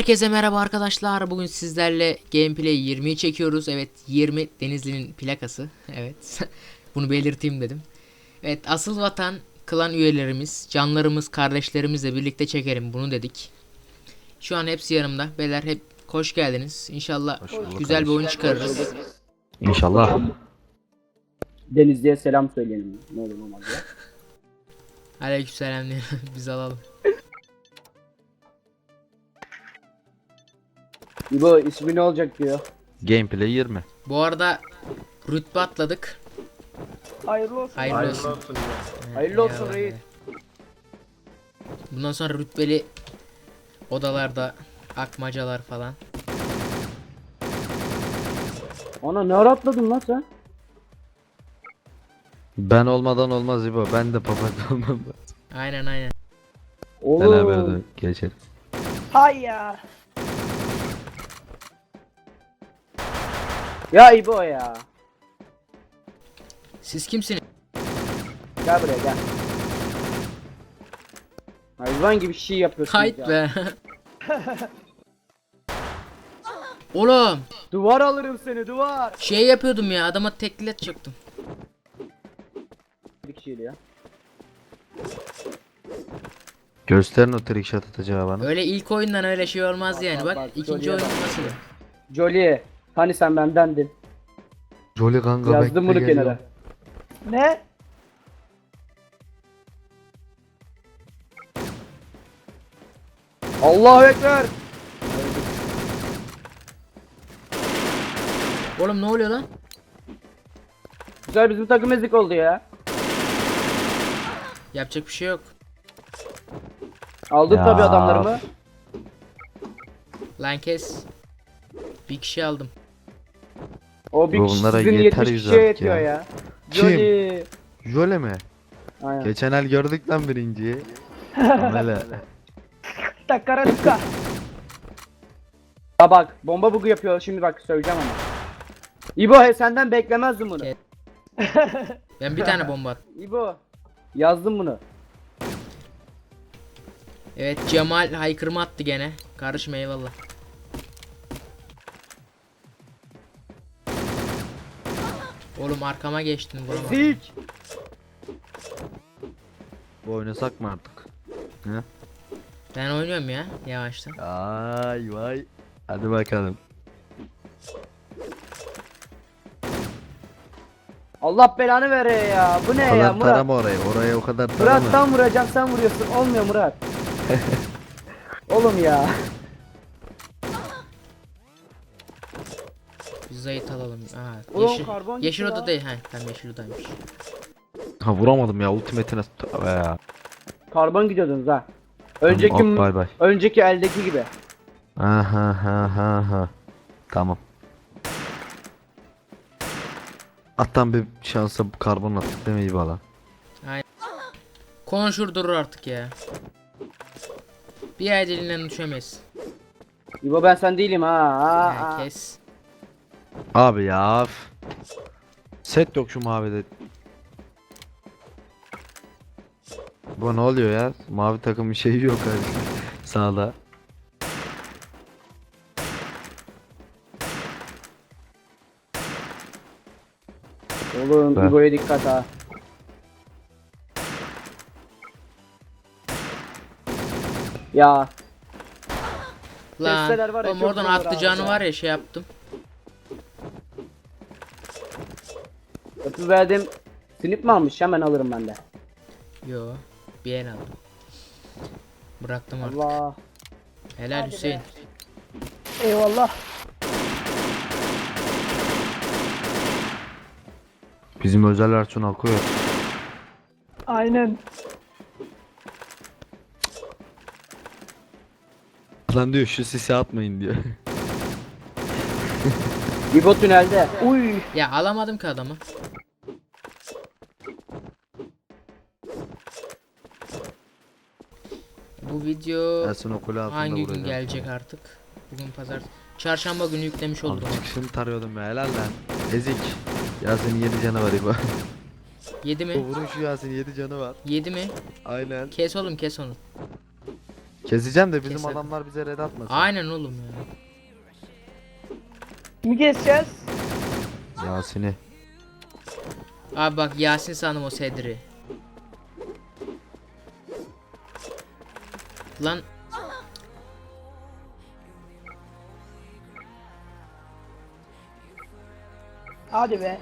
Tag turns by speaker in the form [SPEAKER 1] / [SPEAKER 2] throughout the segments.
[SPEAKER 1] Herkese merhaba arkadaşlar. Bugün sizlerle gameplay 20'yi çekiyoruz. Evet, 20 Denizli'nin plakası. Evet. Bunu belirteyim dedim. Evet, asıl vatan klan üyelerimiz, canlarımız, kardeşlerimizle birlikte çekelim bunu dedik. Şu an hepsi yanımda. Beyler hep hoş geldiniz. İnşallah güzel bir oyun çıkarırız.
[SPEAKER 2] İnşallah.
[SPEAKER 3] Denizli'ye selam söyleyelim. Ne olur olmaz ya.
[SPEAKER 1] Aleykümselam diyelim. Biz alalım.
[SPEAKER 3] İbo ismi ne olacak diyor.
[SPEAKER 2] Gameplay 20.
[SPEAKER 1] Bu arada rütbe atladık.
[SPEAKER 3] Hayırlı olsun.
[SPEAKER 1] Hayırlı olsun.
[SPEAKER 3] Hayırlı olsun
[SPEAKER 1] Eyvallah.
[SPEAKER 3] reis.
[SPEAKER 1] Bundan sonra rütbeli odalarda akmacalar falan.
[SPEAKER 3] Ana ne ara atladın lan sen?
[SPEAKER 2] Ben olmadan olmaz İbo. Ben de papatya olmam.
[SPEAKER 1] Aynen.
[SPEAKER 2] Beraber
[SPEAKER 3] Oğlum.
[SPEAKER 2] de geçelim.
[SPEAKER 4] Hay ya.
[SPEAKER 3] Ya İbo ya.
[SPEAKER 1] Siz kimsiniz?
[SPEAKER 3] Gel buraya gel. Hayvan gibi şey yapıyorsun
[SPEAKER 1] Kayıt
[SPEAKER 3] ya.
[SPEAKER 1] be. Oğlum
[SPEAKER 3] Duvar alırım seni duvar.
[SPEAKER 1] şey yapıyordum ya, adama teklet çaktım.
[SPEAKER 3] Bir kişiyle ya.
[SPEAKER 2] Gösterin o trick shot atacağı bana.
[SPEAKER 1] Öyle ilk oyundan öyle şey olmaz yani.
[SPEAKER 3] bak,
[SPEAKER 1] Bak ikinci
[SPEAKER 3] Jolly'e
[SPEAKER 1] oyun
[SPEAKER 3] bak.
[SPEAKER 1] nasıl?
[SPEAKER 3] Jolly. Hani sen bendendin.
[SPEAKER 2] Jolly kanka
[SPEAKER 3] Yazdım bunu
[SPEAKER 2] geliyor.
[SPEAKER 3] kenara.
[SPEAKER 4] Ne?
[SPEAKER 3] Allahu Ekber.
[SPEAKER 1] Oğlum ne oluyor lan?
[SPEAKER 3] Güzel bizim takım ezik oldu ya.
[SPEAKER 1] Yapacak bir şey yok.
[SPEAKER 3] Aldın
[SPEAKER 2] Ya.
[SPEAKER 3] tabi adamlarımı.
[SPEAKER 1] Lan kes. Bir kişi aldım.
[SPEAKER 3] O bir
[SPEAKER 2] Bu
[SPEAKER 3] kişi
[SPEAKER 2] bunlara
[SPEAKER 3] sizin
[SPEAKER 2] yeter
[SPEAKER 3] 70
[SPEAKER 2] yüz
[SPEAKER 3] kişiye
[SPEAKER 2] artık
[SPEAKER 3] yetiyor
[SPEAKER 2] ya.
[SPEAKER 3] ya.
[SPEAKER 2] Kim?
[SPEAKER 3] Jolly.
[SPEAKER 2] Jolly mi?
[SPEAKER 3] Aynen.
[SPEAKER 2] Geçen el gördük lan birinciyi. Amele.
[SPEAKER 4] Takaratka.
[SPEAKER 3] Ya bak bomba bugu yapıyor şimdi bak söyleyeceğim ama. İbo senden beklemezdim bunu.
[SPEAKER 1] Ke- Ben bir tane bomba attım.
[SPEAKER 3] İbo yazdım bunu.
[SPEAKER 1] Evet, Cemal haykırma attı gene. Kardeşim eyvallah. Oğlum arkama geçtin vuramadım.
[SPEAKER 3] Ezik.
[SPEAKER 2] Bu oynasak mı artık? He?
[SPEAKER 1] Ben oynuyorum ya yavaştan.
[SPEAKER 2] Ay vay. Hadi bakalım.
[SPEAKER 3] Allah belanı vere ya. Bu ne
[SPEAKER 2] O
[SPEAKER 3] ya
[SPEAKER 2] kadar
[SPEAKER 3] Murat?
[SPEAKER 2] tarama orayı. Oraya o kadar tarama.
[SPEAKER 3] Murat tam vuracağım sen vuruyorsun. Olmuyor Murat. Oğlum ya.
[SPEAKER 1] Biz zayıf alalım. Aa,
[SPEAKER 3] Ulan
[SPEAKER 1] yeşil,
[SPEAKER 3] karbon
[SPEAKER 1] yeşil
[SPEAKER 3] gitti
[SPEAKER 1] oda
[SPEAKER 3] ya.
[SPEAKER 1] değil. Ha, tamam yeşil odaymış.
[SPEAKER 2] Ha vuramadım ya. Ultimate'ine. Tövbe ya.
[SPEAKER 3] Karbon gidiyordunuz ha. Önceki
[SPEAKER 2] Tamam, bay bay.
[SPEAKER 3] önceki eldeki gibi.
[SPEAKER 2] Ha. Tamam. Attan bir şansa karbon attık değil mi iyi bala?
[SPEAKER 1] Konuşur durur artık ya. Bir ay dilinden düşemeyiz.
[SPEAKER 3] İbo ben sen değilim ha.
[SPEAKER 1] Ha,
[SPEAKER 3] Ha.
[SPEAKER 1] kes.
[SPEAKER 2] Abi ya. Set yok şu mavide. Bu ne oluyor ya? Mavi takım bir şey yok abi. Sağda.
[SPEAKER 3] Oğlum
[SPEAKER 2] Be.
[SPEAKER 3] İbo'ya dikkat ha. Ya
[SPEAKER 1] Lan
[SPEAKER 3] Testeler var ya,
[SPEAKER 1] oğlum
[SPEAKER 3] çok
[SPEAKER 1] oradan
[SPEAKER 3] zor abi
[SPEAKER 1] atlayacağını
[SPEAKER 3] ya.
[SPEAKER 1] var ya şey yaptım.
[SPEAKER 3] öpü verdim. Sinip mi almış? Hemen alırım ben de.
[SPEAKER 1] Yo, bir el aldım. Bıraktım artık.
[SPEAKER 3] Allah.
[SPEAKER 1] Helal
[SPEAKER 4] Hadi
[SPEAKER 1] Hüseyin.
[SPEAKER 4] be. Eyvallah.
[SPEAKER 2] Bizim özel Ertuğrul akıyor.
[SPEAKER 4] Aynen.
[SPEAKER 2] Lan diyor şu sisi atmayın diyor.
[SPEAKER 3] İbo tünelde.
[SPEAKER 4] Uy.
[SPEAKER 1] Ya alamadım ki adamı. Bu video
[SPEAKER 2] Ersin okulu altında
[SPEAKER 1] hangi gün
[SPEAKER 2] vuracağım.
[SPEAKER 1] gelecek artık? Bugün pazar. Çarşamba günü yüklemiş oldum.
[SPEAKER 2] Abi çıkışını tarıyordum ya helal lan. Ezik. Yasin'in 7 canı var İbo.
[SPEAKER 1] 7 mi?
[SPEAKER 2] Vurun şu Yasin 7 canı var.
[SPEAKER 1] 7 mi?
[SPEAKER 2] Aynen.
[SPEAKER 1] Kes oğlum kes onu.
[SPEAKER 2] Keseceğim de bizim
[SPEAKER 1] Keselim.
[SPEAKER 2] adamlar bize red atmasın.
[SPEAKER 1] Aynen oğlum ya.
[SPEAKER 4] Kimi keseceğiz?
[SPEAKER 2] Yasin'i.
[SPEAKER 1] Abi bak Yasin sandım o Sedri. Lan
[SPEAKER 4] Hadi be.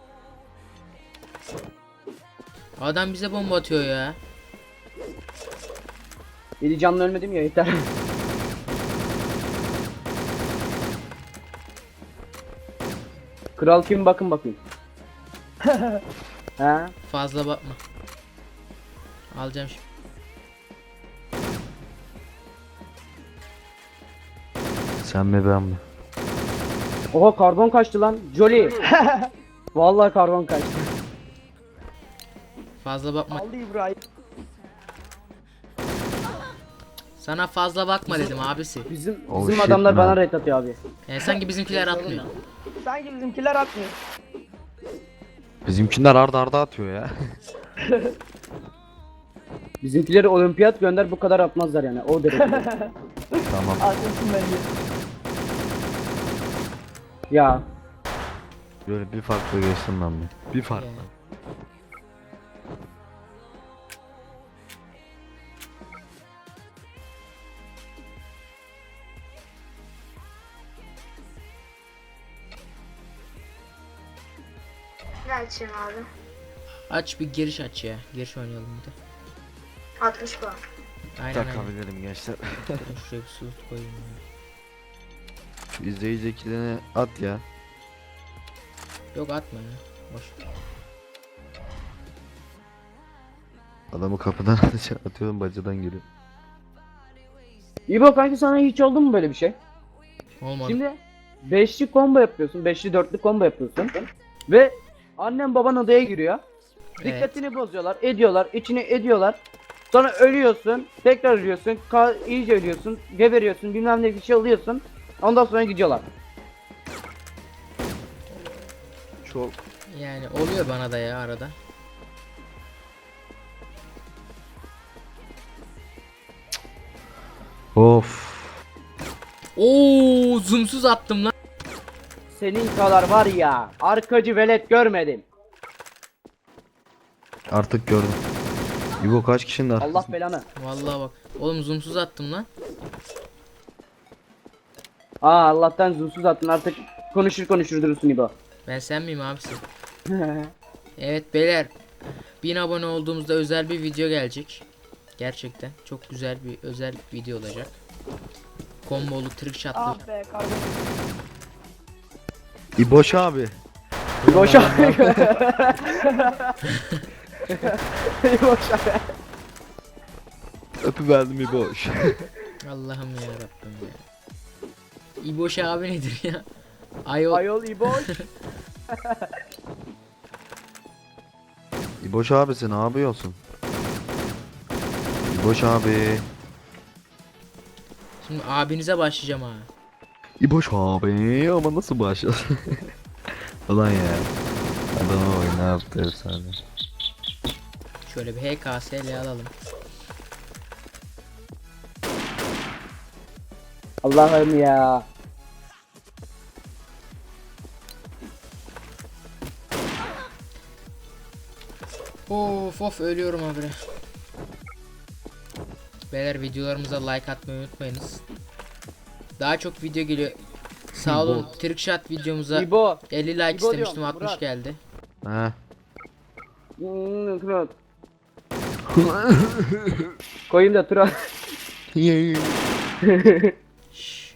[SPEAKER 1] adam bize bomba atıyor ya.
[SPEAKER 3] 7 canlı ölmedim ya yeter. Kral kim bakın bakayım. Ha?
[SPEAKER 1] Fazla bakma. Alacağım şimdi.
[SPEAKER 2] Sen mi ben mi?
[SPEAKER 3] Oha karbon kaçtı lan. Jolly. Vallahi karbon kaçtı.
[SPEAKER 1] Fazla bakma.
[SPEAKER 4] Aldı İbrahim.
[SPEAKER 1] Sana fazla bakma dedim abisi.
[SPEAKER 3] Bizim
[SPEAKER 2] Oh
[SPEAKER 3] bizim
[SPEAKER 2] shit,
[SPEAKER 3] adamlar
[SPEAKER 2] man.
[SPEAKER 3] bana red atıyor abi.
[SPEAKER 1] Sanki bizimkiler atmıyor.
[SPEAKER 4] Sanki bizimkiler atmıyor.
[SPEAKER 2] Bizimkiler arda arda atıyor ya.
[SPEAKER 3] Bizimkileri olimpiyat gönder bu kadar atmazlar yani o derece.
[SPEAKER 2] Tamam.
[SPEAKER 4] Haklısın bence.
[SPEAKER 3] Ya
[SPEAKER 2] Böyle bir farklı geçtim ben bir. Bir farklı.
[SPEAKER 1] Yani.
[SPEAKER 5] Ne açayım abi?
[SPEAKER 1] Aç bir giriş aç ya. Giriş oynayalım bir de.
[SPEAKER 5] 60 puan.
[SPEAKER 1] Aynen aynen.
[SPEAKER 2] Takabilirim gençler.
[SPEAKER 1] Dur, şuraya bir su koyayım ya.
[SPEAKER 2] Şu izleyicilerini at ya.
[SPEAKER 1] Yok atma ya. Boş.
[SPEAKER 2] Adamı kapıdan atıyorum bacadan giriyor.
[SPEAKER 3] İbo kanki sana hiç oldu mu böyle bir şey?
[SPEAKER 1] Olmadı.
[SPEAKER 3] Şimdi beşli combo yapıyorsun, beşli dörtlü combo yapıyorsun ve annem baban odaya giriyor.
[SPEAKER 1] Evet.
[SPEAKER 3] Dikkatini bozuyorlar, ediyorlar, içini ediyorlar. Sonra ölüyorsun, tekrar ölüyorsun, iyice ölüyorsun, geberiyorsun, bilmem ne bir şey oluyorsun. Ondan sonra gidiyorlar.
[SPEAKER 2] Çok.
[SPEAKER 1] Yani oluyor bana da ya arada.
[SPEAKER 2] Of.
[SPEAKER 1] Oo, zoomsuz attım lan.
[SPEAKER 3] Senin kadar var ya, arkacı velet görmedim.
[SPEAKER 2] Artık gördüm. İbo kaç kişinin
[SPEAKER 3] Allah
[SPEAKER 2] arkasında?
[SPEAKER 3] belanı.
[SPEAKER 1] Vallahi bak. Oğlum zoomsuz attım lan.
[SPEAKER 3] Allah'tan zulsuz attın artık konuşur durursun İbo.
[SPEAKER 1] Ben sen miyim abisi? Evet beyler. 1000 abone olduğumuzda özel bir video gelecek. Gerçekten çok güzel bir özel video olacak. Kombolu, trickshot'lı.
[SPEAKER 4] Ah be kardeşim.
[SPEAKER 2] İboş abi.
[SPEAKER 3] Boş abi. Boş abi.
[SPEAKER 2] Öpüverdim İboş.
[SPEAKER 1] Allah'ım ya Rabbim ya. İboş abi nedir ya? Ayol.
[SPEAKER 3] Ayol İboş.
[SPEAKER 2] İboş abisi ne yapıyorsun? İboş abi.
[SPEAKER 1] Şimdi abinize başlayacağım ha.
[SPEAKER 2] İboş abi ama nasıl başlasın? Ulan ya. Adama bak ne yaptı efsane.
[SPEAKER 1] Şöyle bir HKS'le alalım.
[SPEAKER 3] Allah'ım ya.
[SPEAKER 1] Of ölüyorum abi. Beyler videolarımıza like atmayı unutmayınız. Daha çok video geliyor. Sağ olun. Trickshot videomuza
[SPEAKER 3] İbo.
[SPEAKER 1] 50 like
[SPEAKER 3] İbo
[SPEAKER 1] istemiştim,
[SPEAKER 3] diyorum,
[SPEAKER 1] 60
[SPEAKER 3] Murat.
[SPEAKER 1] geldi.
[SPEAKER 2] He.
[SPEAKER 3] Koyayım da tura.
[SPEAKER 1] Şşş.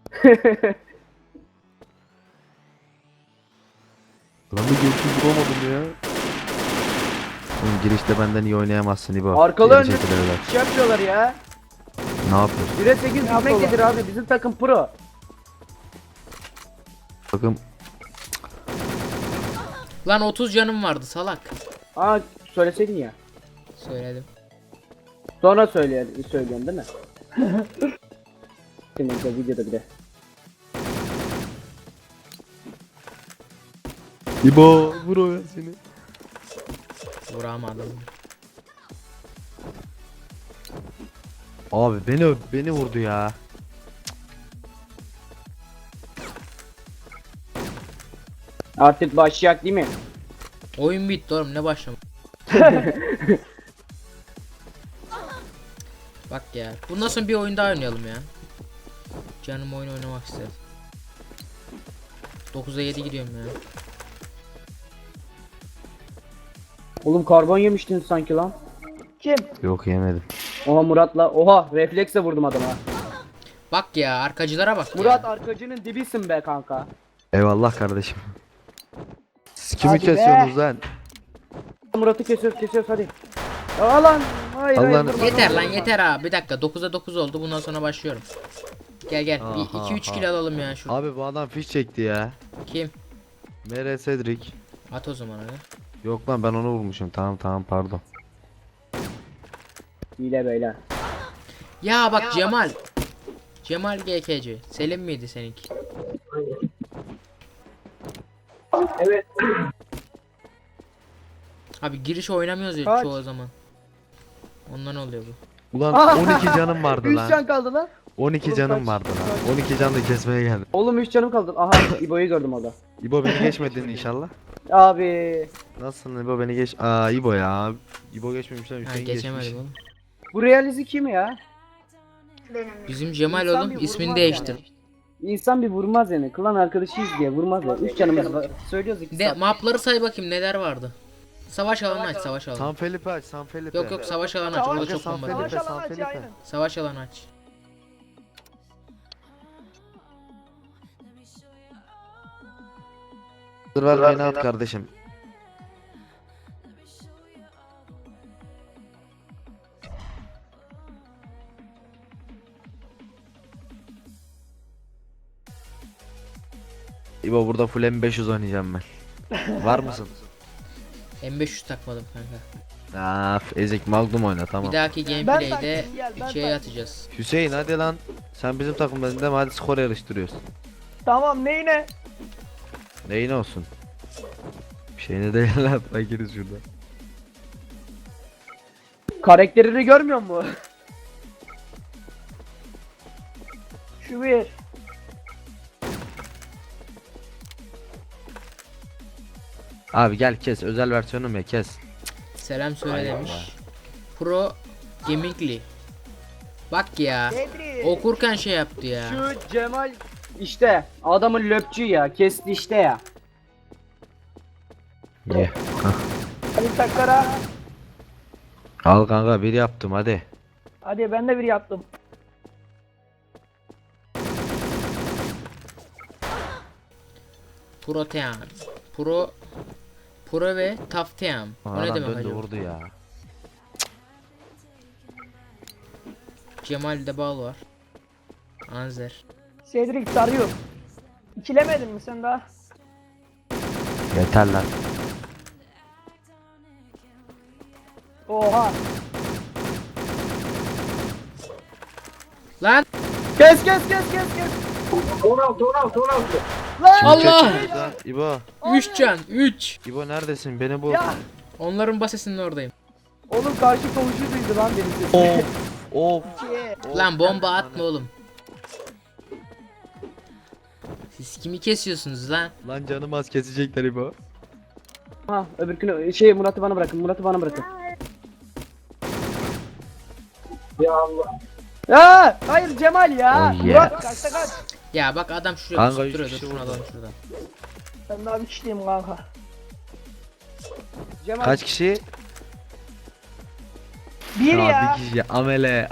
[SPEAKER 2] Lan bir görüşü bulamadım ya. Oğlum girişte benden iyi oynayamazsın İbo.
[SPEAKER 3] Arkalı
[SPEAKER 2] Geri
[SPEAKER 3] önlü
[SPEAKER 2] çekilirler.
[SPEAKER 3] şey yapıyorlar ya.
[SPEAKER 2] Ne yapıyorsun?
[SPEAKER 3] 1'e 8 gitmektedir abi bizim takım pro.
[SPEAKER 2] Bakın
[SPEAKER 1] Lan 30 canım vardı salak.
[SPEAKER 3] Söyleseydin ya.
[SPEAKER 1] Söyledim.
[SPEAKER 3] Sonra söylüyorsun değil mi? Senin de videoda bir de.
[SPEAKER 2] İbo vur o ya seni.
[SPEAKER 1] Vuramadım.
[SPEAKER 2] Abi beni vurdu ya.
[SPEAKER 3] Artık başlayak değil mi?
[SPEAKER 1] Oyun bitti oğlum, ne başlama. Bak ya. Bundan sonra bir oyun daha oynayalım ya. Canım oyun oynamak istedi. 9'a 7 gidiyorum ya.
[SPEAKER 3] Oğlum karbon yemiştin sanki lan.
[SPEAKER 4] Kim?
[SPEAKER 2] Yok yemedim.
[SPEAKER 3] Oha Murat'la. Oha refleksle vurdum adama.
[SPEAKER 1] Bak ya, arkacılara bak
[SPEAKER 3] Murat
[SPEAKER 1] ya.
[SPEAKER 3] arkacının dibisin be kanka.
[SPEAKER 2] Eyvallah kardeşim. Siz kimi
[SPEAKER 4] Hadi be.
[SPEAKER 2] kesiyorsunuz lan?
[SPEAKER 3] Murat'ı kesiyoruz hadi. Aa lan. Hayır
[SPEAKER 2] Allah'ın-
[SPEAKER 3] vurma,
[SPEAKER 1] Yeter
[SPEAKER 3] vurma,
[SPEAKER 1] lan
[SPEAKER 3] vurma.
[SPEAKER 1] yeter ha. Bir dakika, 9'a 9 oldu. Bundan sonra başlıyorum. Gel gel. Bir
[SPEAKER 2] Aha,
[SPEAKER 1] 2-3
[SPEAKER 2] aha.
[SPEAKER 1] kill alalım ya şu.
[SPEAKER 2] Abi bu adam fiş çekti ya.
[SPEAKER 1] Kim?
[SPEAKER 2] Mere Cedric.
[SPEAKER 1] At o zaman hadi.
[SPEAKER 2] Yok lan ben onu vurmuşum. Tamam pardon.
[SPEAKER 3] Hile beyler.
[SPEAKER 1] Ya bak Cemal. Cemal GKC. Selim miydi seninki?
[SPEAKER 3] Evet.
[SPEAKER 1] Abi giriş oynamıyoruz ya
[SPEAKER 4] Kaç?
[SPEAKER 1] çoğu zaman. Ondan oluyor bu.
[SPEAKER 2] Ulan 12 canım vardı
[SPEAKER 3] 3 can
[SPEAKER 2] lan.
[SPEAKER 3] kaldı lan.
[SPEAKER 2] 12
[SPEAKER 3] Oğlum
[SPEAKER 2] canım
[SPEAKER 3] kaç?
[SPEAKER 2] vardı lan. 12 can da kesmeye geldim.
[SPEAKER 3] Oğlum 3 canım kaldı. Aha İbo'yu gördüm orada.
[SPEAKER 2] İbo beni geçmedin inşallah.
[SPEAKER 3] Abi.
[SPEAKER 2] Nasılsın İbo beni geç. Aa İbo ya. İbo geçmemiş lan
[SPEAKER 1] Ha,
[SPEAKER 2] Hüseyin
[SPEAKER 1] geçemedim
[SPEAKER 2] geçmiş.
[SPEAKER 1] oğlum.
[SPEAKER 3] Bu realizi kim ya?
[SPEAKER 5] Benim.
[SPEAKER 1] Bizim Cemal
[SPEAKER 3] İnsan
[SPEAKER 1] oğlum
[SPEAKER 3] bir
[SPEAKER 1] ismini
[SPEAKER 3] vurmaz
[SPEAKER 1] değiştir.
[SPEAKER 3] İnsan bir vurmaz yani. Klan arkadaşıyız diye vurmaz ya. 3 canımız var. Söylüyoruz 2
[SPEAKER 1] De mapları say bakayım neler vardı. Savaş alanı aç, savaş alanı.
[SPEAKER 2] San Felipe aç San Felipe.
[SPEAKER 1] Yok savaş alanı aç. Orada çok
[SPEAKER 2] San
[SPEAKER 1] bomba
[SPEAKER 2] Felipe,
[SPEAKER 1] var.
[SPEAKER 4] Savaş
[SPEAKER 2] San
[SPEAKER 4] alanı aç
[SPEAKER 2] Felipe.
[SPEAKER 4] aynen.
[SPEAKER 1] Savaş alanı aç.
[SPEAKER 2] Dur ver beni at kardeşim. İbo burada full M500 oynayacağım ben. Var mısın?
[SPEAKER 1] M500 takmadım kanka.
[SPEAKER 2] Af ezik Magnum oyna tamam.
[SPEAKER 1] Bir dahaki
[SPEAKER 4] Ben
[SPEAKER 1] gameplay'de
[SPEAKER 4] takayım, gel, ben
[SPEAKER 1] şeye
[SPEAKER 4] takayım.
[SPEAKER 1] atacağız.
[SPEAKER 2] Hüseyin hadi lan. Sen bizim takımdan değil mi? Hadi skor yarıştırıyoruz.
[SPEAKER 4] Tamam neyine?
[SPEAKER 2] Neyin olsun? Bir şeyine değil lan. Fakiriz şurada.
[SPEAKER 3] Karakterini görmüyor musun?
[SPEAKER 4] Şu bir.
[SPEAKER 2] Abi gel kes özel versiyonum ya kes.
[SPEAKER 1] Selam söyle
[SPEAKER 2] Ay
[SPEAKER 1] demiş.
[SPEAKER 2] Allah.
[SPEAKER 1] Pro Gaming'li. Bak ya.
[SPEAKER 4] Bedri.
[SPEAKER 1] Okurken şey yaptı ya.
[SPEAKER 3] Şu Cemal işte adamın löpçü ya. Kesti işte ya.
[SPEAKER 2] Ye.
[SPEAKER 4] Hadi takara.
[SPEAKER 2] Al kanka bir yaptım hadi.
[SPEAKER 4] Hadi ben de bir yaptım.
[SPEAKER 1] Protean. Pro ve Tafteam. O ne
[SPEAKER 2] Adam
[SPEAKER 1] demek
[SPEAKER 2] döndü
[SPEAKER 1] acaba?
[SPEAKER 2] vurdu ya.
[SPEAKER 1] Cemal'de bal var. Anzer.
[SPEAKER 4] Cedric sarıyor. İkilemedin mi sen daha?
[SPEAKER 2] Yeter lan.
[SPEAKER 4] Oha.
[SPEAKER 1] Lan
[SPEAKER 3] Kes.
[SPEAKER 4] Lan.
[SPEAKER 1] Allah!
[SPEAKER 2] İbo.
[SPEAKER 1] 3 can 3.
[SPEAKER 2] İbo neredesin? Beni bul.
[SPEAKER 4] Ya.
[SPEAKER 1] Onların basesinin oradayım.
[SPEAKER 3] Oğlum karşı komşu duydu lan benim sesimi.
[SPEAKER 2] Of.
[SPEAKER 4] Ki.
[SPEAKER 1] Lan bomba atma oğlum. Siz kimi kesiyorsunuz lan?
[SPEAKER 2] Lan canım az kesecekler İbo.
[SPEAKER 3] Ha öbürkünü Murat'ı bana bırakın. Ya hayır Cemal ya.
[SPEAKER 2] Oh yeah.
[SPEAKER 3] Murat
[SPEAKER 4] Kaçta kaç?
[SPEAKER 1] Ya bak adam şuraya
[SPEAKER 2] Kanka,
[SPEAKER 1] pusup
[SPEAKER 2] üç
[SPEAKER 1] duruyor.
[SPEAKER 2] kişi
[SPEAKER 1] Dur şunu
[SPEAKER 2] vurdu.
[SPEAKER 1] alalım şuradan.
[SPEAKER 4] Ben daha bir kişiyim kanka.
[SPEAKER 3] Cemal
[SPEAKER 2] Kaç kişi?
[SPEAKER 4] Bir ya.
[SPEAKER 2] Bir kişi. Amele.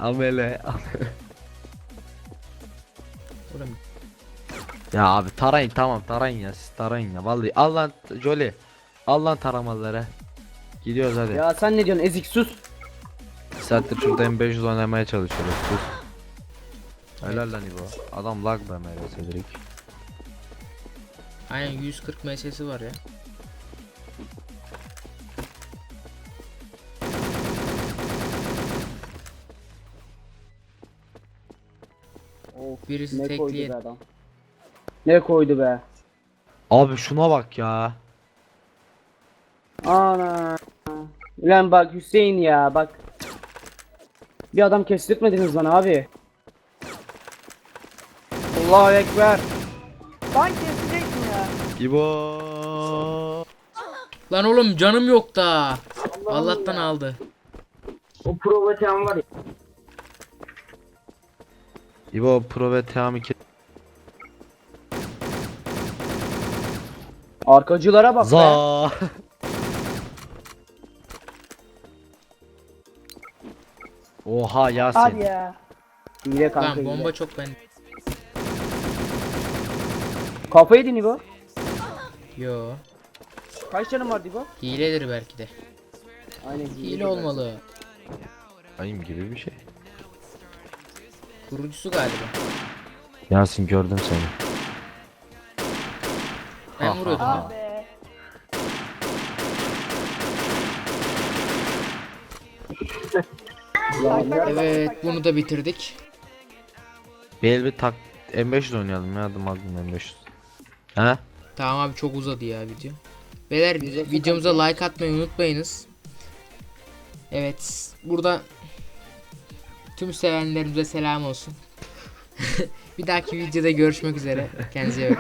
[SPEAKER 1] Oğlum
[SPEAKER 2] Ya abi tarayın tamam tarayın ya siz tarayın ya vallahi al lan Jolly al lan taramaları gidiyoruz hadi
[SPEAKER 3] ya sen ne diyorsun ezik sus.
[SPEAKER 2] bir saattir şurada M500 oynamaya çalışıyoruz sus helal lan İbo adam lag be Mere Cedric
[SPEAKER 1] aynen 140 MS'si var ya.
[SPEAKER 3] Of,
[SPEAKER 1] Birisi
[SPEAKER 3] ne koydu
[SPEAKER 1] tekliye.
[SPEAKER 3] be adam. Ne koydu be.
[SPEAKER 2] abi şuna bak ya
[SPEAKER 3] Ana. Ulan bak Hüseyin ya bak. Bir adam kestirtmediniz bana abi. Allahu Ekber.
[SPEAKER 4] Ben kesecektim ya.
[SPEAKER 2] İbo.
[SPEAKER 1] Lan oğlum canım yok da. Allah'tan aldı.
[SPEAKER 3] O provokan var ya.
[SPEAKER 2] İbo Pro ve Teami ki.
[SPEAKER 3] Arkacılara bak be.
[SPEAKER 2] Za. Oha Yasin.
[SPEAKER 4] Hadi ya.
[SPEAKER 3] Hile kanka
[SPEAKER 1] Lan bomba
[SPEAKER 3] hile.
[SPEAKER 1] çok ben.
[SPEAKER 3] Kafayı yedin İbo.
[SPEAKER 1] Yo.
[SPEAKER 3] Kaç canım var İbo?
[SPEAKER 1] Hiledir belki de.
[SPEAKER 3] Aynen
[SPEAKER 1] Hile olmalı.
[SPEAKER 2] Ayım gibi bir şey.
[SPEAKER 1] Kurucusu galiba.
[SPEAKER 2] Yasin gördüm seni.
[SPEAKER 1] Ben vuruyordum. ha.
[SPEAKER 4] Ah be.
[SPEAKER 1] Evet bunu da bitirdik.
[SPEAKER 2] Bir bir tak M500 oynayalım ya adım M500. He?
[SPEAKER 1] Tamam abi çok uzadı ya video. Beyler videomuza like atmayı unutmayınız. Evet burada tüm sevenlerimize selam olsun. Bir dahaki videoda görüşmek üzere. Kendinize iyi bakın.